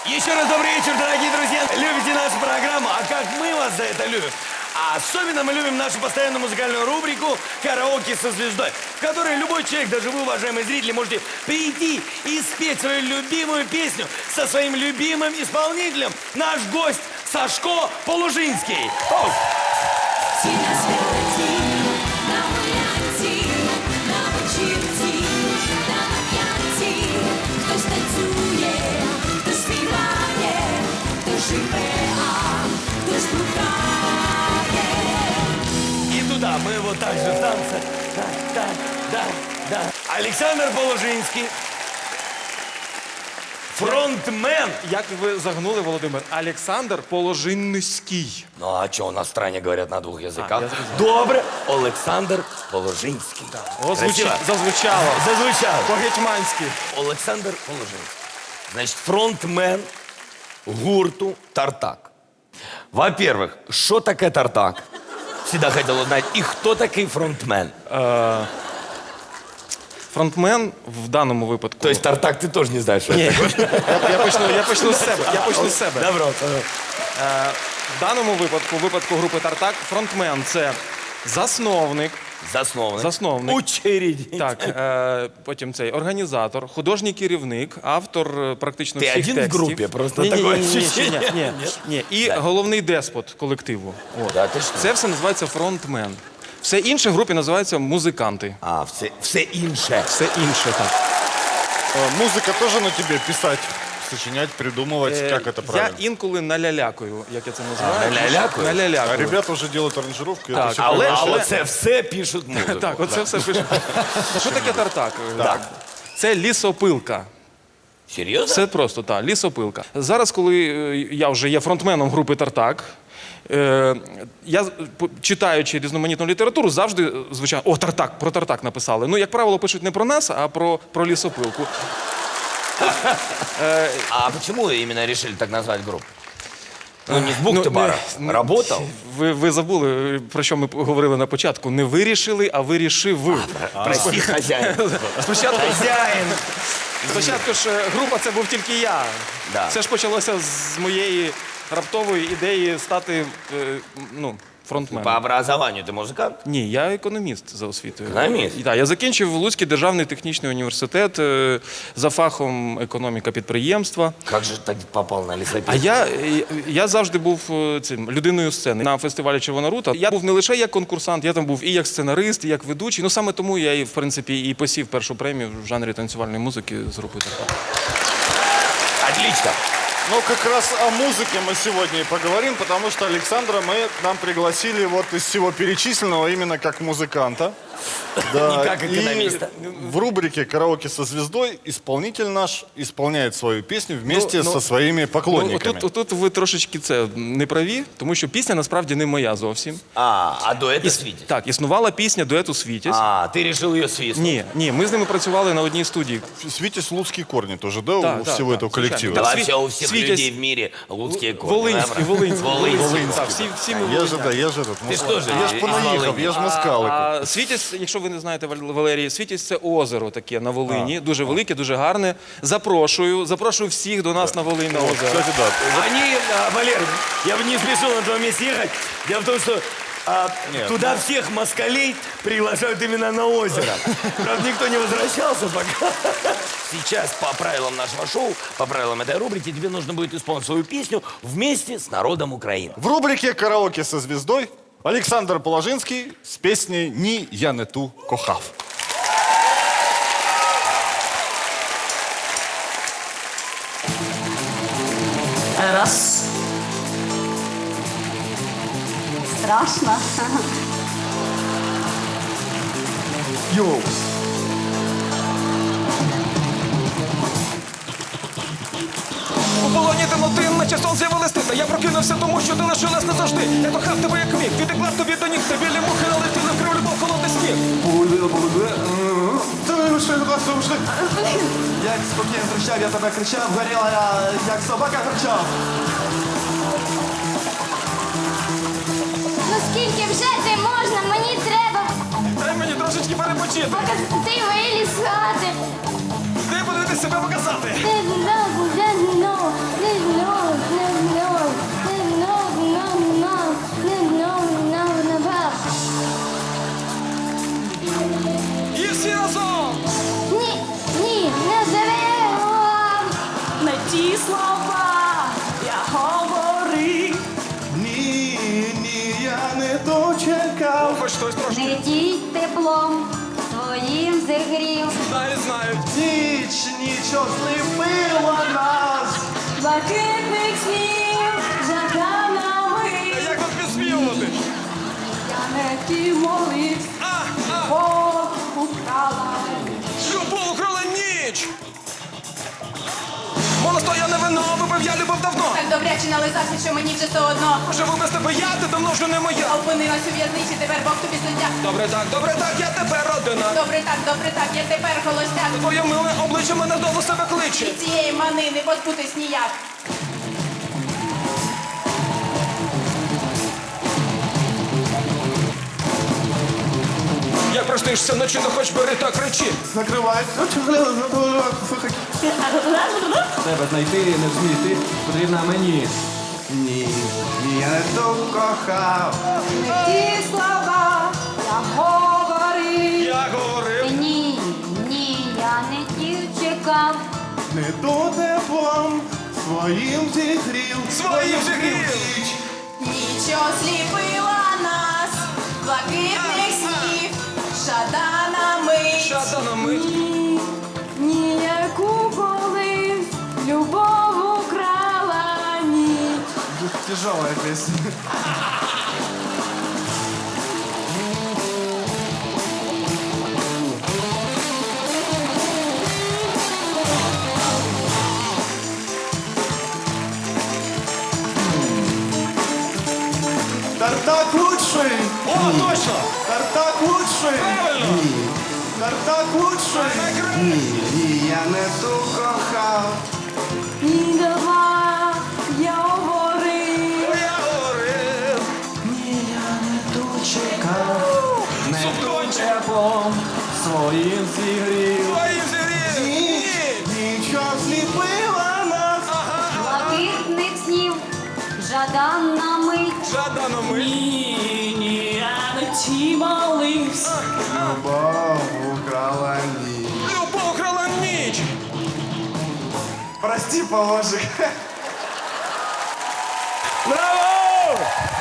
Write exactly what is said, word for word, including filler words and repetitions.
Еще раз добрый вечер, дорогие друзья. Любите нашу программу, а как мы вас за это любим. А особенно мы любим нашу постоянную музыкальную рубрику «Караоке со звездой», в которой любой человек, даже вы, уважаемые зрители, можете прийти и спеть свою любимую песню со своим любимым исполнителем. Наш гость Сашко Полужинский. Оу. И туда мы вот так же в танце. Да, да, да, да. Александр Полужинский. Фронтмен. Як ви загнули, Володимир? Олександр Положинський. Ну а что, у нас в стране говорят на двух языках? А, я зрозумів. Добре. Олександр Положинський. О, звучи... Красиво? Зазвучало. Зазвучало. По-гетьманськи. Олександр Положинський. Значит, фронтмен гурту «Тартак». Во-первых, что такое «Тартак»? Всегда хотел узнать. И кто такой фронтмен? Фронтмен в даному випадку... То есть «Тартак» ты тоже не знаешь, что Ні, это такое? я, я, почну, я почну з себе. Я почну з себе. Добро. Е, в даному випадку, в випадку групи «Тартак», фронтмен – це засновник, Засновник. Засновник. Учредитель. так, е, потім цей організатор, художній керівник, автор е, практично Ти всіх один в текстів. групі? Просто ні, ні, таке ні, ні, ні, ощущення. ні, ні, ні. І Так. головний деспот колективу. От. Да, ти що? Це все називається фронтмен. Все інше в групі називається музиканти. А, все, все інше. Все інше, так. Э, Музыка тоже на тебе писать, сочинять, придумывать, Е, как это Я правильно? інколи налялякую, як я це називаю. налялякую? А Налялякую. ребята уже делают аранжировку. Так, это всё Але, хорошо. але це все пишуть музику. Так, оце все пише. Що таке тартак? Так. Це лісопилка. Серйозно? Це просто, так, лісопилка. Зараз, коли е, я вже є фронтменом групи «Тартак», е, я, п- читаючи різноманітну літературу, завжди е, звичайно, о, «Тартак», про «Тартак» написали. Ну, як правило, пишуть не про нас, а про, про лісопилку. А почему именно решили так назвать группу? Ну, не с бухты-бара. Ну, Работал? Ви, ви забули, про що ми говорили на початку. Не вирішили, а вирішив. Прости, хозяин. Спочатку, Хозяин. спочатку ж е, група це був тільки я. Да. Все ж почалося з моєї раптової ідеї стати е, ну, фронтменом. По образованию ты музыкант? Ні, я економіст за освітою. Економіст? І, так, я закінчив Луцький державний технічний університет е, за фахом економіка підприємства. Как же так попал на лесопилку? А я, я завжди був е, цим людиною сцени. На фестивалі «Червона рута» я був не лише як конкурсант, я там був і як сценарист, і як ведучий. Ну саме тому я і, в принципі, і посів першу премію в жанрі танцювальної музики з групою «Тартак». Отлично. Ну, как раз о музыке мы сегодня и поговорим, потому что Александра мы к нам пригласили вот из всего перечисленного именно как музыканта. Да, Не как экономиста. И в рубрике «Караоке со звездой» исполнитель наш исполняет свою песню вместе Ну, ну, со своими поклонниками. Ну, тут, тут ви трошечки це не праві, тому що пісня насправді не моя зовсім. А, а дуэт Свитязь? Так, існувала пісня дуету «Світязь». А, ты решил ее свистнуть? Ні, ні, ми з ними працювали на одній студії. Свитязь луцкие корни тоже, да, Да, у да, всего да, этого звичайно. коллектива? Да Сви- вообще у всех Свитязь- людей в мире луцкие корни. Волинський, Волинський. Волинський. Так, всі, всі ми Я же, волиняни. да, я же этот, Ты что же, я ж из понаїхав, Волыни? я ж москалик. А Світязь, якщо ви не знаєте, Вал- Валерій, Світязь – це озеро таке на Волині, дуже велике, дуже гарне. Запрошую, запрошую всіх до нас на Волинь на озеро. Кстати, да. Они, а, Валер, я бы не спешил на твоем месте ехать. Дело в том, что а, Нет, туда всех москалей приглашают именно на озеро. Правда, никто не возвращался пока. Сейчас по правилам нашего шоу, по правилам этой рубрики, тебе нужно будет исполнить свою песню вместе с народом Украины. В рубрике «Караоке со звездой» Александр Положинский с песней «Ні, я не ту кохав». Раз. Страшно. Йоу! У полоні темноти, наче сон з'явилась ти. Та я прокинувся, тому що ти лишилась назавжди. Я кохав тебе як міг, відтекла тобі до ніг. Та білі мухи налетіли, вкрив любов холодний сніг. Як спокійно кричав, я тебе кричав, горіла я, як собака кричав. Ну скільки вже ти можна? Мені треба, Дай мені трошечки перепочити. поки ти виліз з хати. Де подивитись себе показати? Ти, ну, ну, ну, знають. Ніч, ніч осліпила нас. Блакитних снів жаданами. Як тут підспівувати? Я не ті молив, А, а, Бог украла. любов украла ніч. Молодо, я не вино, випив я любов давно. Так добряче нализався, що мені вже все одно. Живу без тебе я, ти давно вже не моя. Опинилась у в'язниці, тепер Бог тобі суддя. Добре так, добре так, я тепер родина. Добре так, добре так, я тепер холостяк. Твоє миле обличчя мене до себе кличе. І цієї мани не позбутись ніяк. Як проснишся вночі, то хоч бери та кричи. Закривай. Тебе знайти, не зміти, потрібна мені. Ні, ні, я не ту кохав. Ті слова я говорив. Я говорив. Ні, ні, я не ті чекав. Не то теплом своїм зігрів. Своїм зігрів. Ніч осліпила нас, блакитних снів, жаданами. Шатанами. Ні, ніяку колись любов украла ніч. Тяжелая песня. Тартак лучший! О, точно! Тартак лучший! Правильно! Тартак лучший! Ні, ні, я не ту кохав. Ні, давай, я говорив. Я говорив. Ні, я не ту чекав. Не ту теплом своїм зігрів. Своїм зігрів. Ні, нічого зліпила нас. Блакитних снів жадана мить. Жаданами. Ні, ні, я не ті молився. Любов украла ніч. Любов украла ніч. Прости, положик. Браво!